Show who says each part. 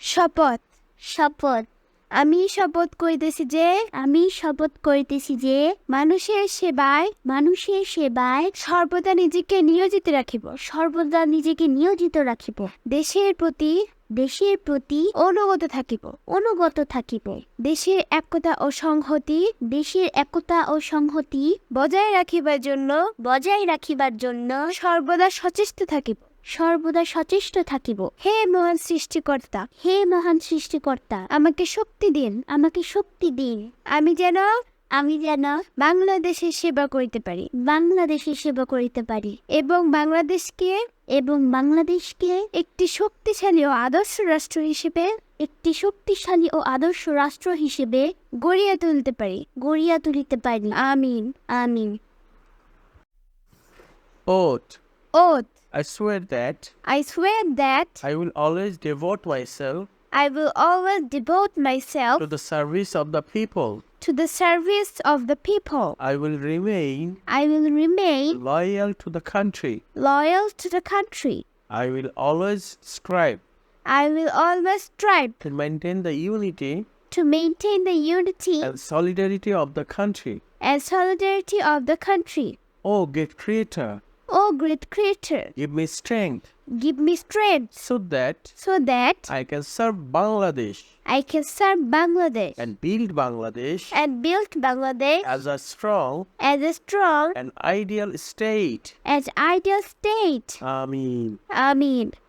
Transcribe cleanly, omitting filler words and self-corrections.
Speaker 1: শপথ
Speaker 2: শপথ
Speaker 1: আমি শপথ করিতেছি যে মানুষের সেবায় সর্বদা নিজেকে নিয়োজিত রাখিব দেশের প্রতি অনুগত থাকিব দেশের একতা ও সংহতি বজায় রাখিবার জন্য সর্বদা সচেষ্ট থাকিব হে মহান সৃষ্টিকর্তা আমাকে শক্তি দিন আমি যেন বাংলাদেশের সেবা করিতে পারি এবং বাংলাদেশকে একটি শক্তিশালী ও আদর্শ রাষ্ট্র হিসেবে গড়িয়া তুলিতে পারি আমিন
Speaker 3: Oath.
Speaker 1: Oath
Speaker 3: I swear that
Speaker 1: I swear that
Speaker 3: I will always devote myself
Speaker 1: I will always devote myself
Speaker 3: to the service of the people.
Speaker 1: to the service of the people.
Speaker 3: I will remain
Speaker 1: I will remain
Speaker 3: loyal to the country.
Speaker 1: loyal to the country.
Speaker 3: I will always strive
Speaker 1: I will always strive
Speaker 3: to maintain the unity
Speaker 1: to maintain the unity
Speaker 3: and solidarity of the country.
Speaker 1: of the country.
Speaker 3: O great Creator,
Speaker 1: O great Creator,
Speaker 3: give me strength
Speaker 1: give me strength
Speaker 3: so that
Speaker 1: so that
Speaker 3: I can serve Bangladesh
Speaker 1: I can serve Bangladesh
Speaker 3: and build Bangladesh
Speaker 1: and build Bangladesh
Speaker 3: as a strong
Speaker 1: as
Speaker 3: and ideal state.
Speaker 1: ideal state.
Speaker 3: Amin.
Speaker 1: Amin.